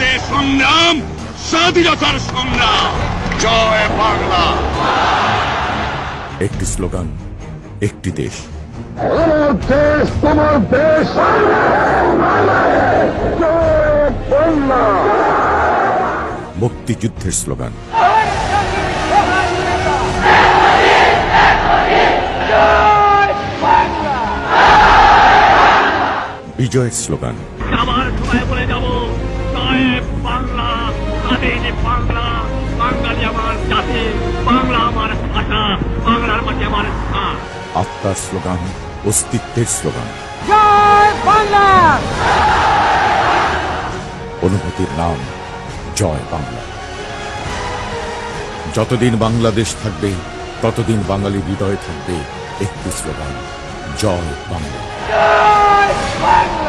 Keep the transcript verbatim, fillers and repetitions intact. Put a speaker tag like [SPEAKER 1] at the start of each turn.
[SPEAKER 1] আমাদের সংগ্রাম স্বাধীনতার সংগ্রাম। জয় বাংলা।
[SPEAKER 2] একটি স্লোগান, একটি দেশ।
[SPEAKER 3] আমার দেশ তোমার দেশ, জয় বাংলা।
[SPEAKER 2] মুক্তিযুদ্ধের স্লোগান, বিজয়ের স্লোগান,
[SPEAKER 4] আবার সবাই বলে যাব জয় বাংলা, স্বাধীন বাংলা, বাঙালি আমার জাতি, বাংলা আমার ভাষা, বাংলার মাটি আমার স্থান।
[SPEAKER 2] আত্মার স্লোগান, অস্তিত্বের স্লোগান,
[SPEAKER 5] জয় বাংলা।
[SPEAKER 2] অনুভূতির নাম জয় বাংলা। যতদিন বাংলাদেশ থাকবে ততদিন বাঙালি হৃদয়ে থাকবে একটি স্লোগান, জয় বাংলা।
[SPEAKER 5] জয় বাংলা।